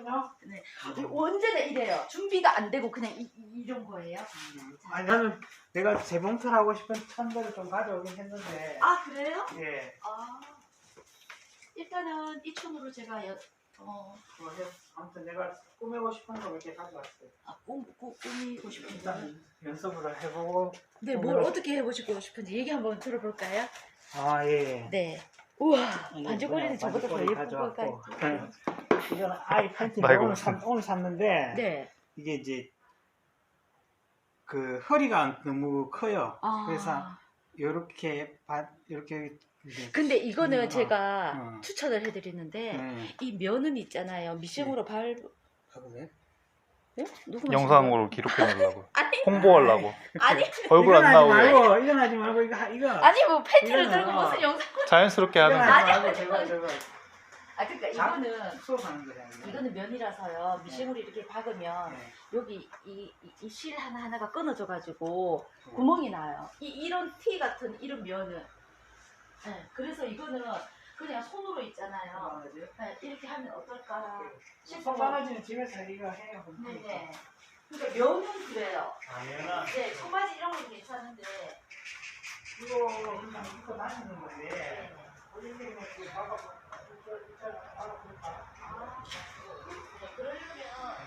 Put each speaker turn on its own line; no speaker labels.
그렇군요.
네. 언제나 이래요. 준비가 안 되고 그냥 이런 거예요.
아니 나는 내가 재봉틀 하고 싶은 천들을 좀 가져오긴 했는데.
아 그래요?
예.
아 일단은 이 촌으로 제가
아무튼 내가 꾸미고 싶은 거 몇 개 가져왔어요.
꾸미고 싶은 거.
일단 연습을 해보고.
네, 뭘 어떻게 해보시고 싶은지 얘기 한번 들어볼까요?
아 예.
네. 우와,
이게
반죽거리는
뭐야,
저보다 더
반죽거리
예쁜 것
가져왔고.
같아요.
이거는 아이 팬티
아이고.
오늘 샀는데
네.
이게 이제 그 허리가 너무 커요. 그래서 요렇게 이렇게.
근데 이거는 제가
어.
추천을 해드리는데
네.
이 면은 있잖아요. 미싱으로
아, 그래?
네? 누구
영상으로 기록해 놓으려고.
아니
홍보하려고.
아니
얼굴 안 나오게.
이건 하지 말고 이거.
아니 뭐 팬티를
이거는
들고 무슨 영상?
자연스럽게
이건
하는
하지
거.
말고 저거.
아 그러니까 이거는
수업하는 거잖아요.
이거는 면이라서요. 미싱으로 이렇게 박으면
네.
여기 이 실 하나하나가 끊어져 가지고 구멍이 나요. 이런 티 같은 이런 면은. 네, 그래서 이거는 그냥 손으로 있잖아요. 네, 이렇게 하면 어떨까 싶어서.
손바가지는 집에서 이거 해요.
네네. 그러니까 면은 그래요.
아, 면은
네, 청바지 이런 건 괜찮은데
이거 입고 다니는 건데.
네.
올림픽은 그 박아볼까?
네, 그러려면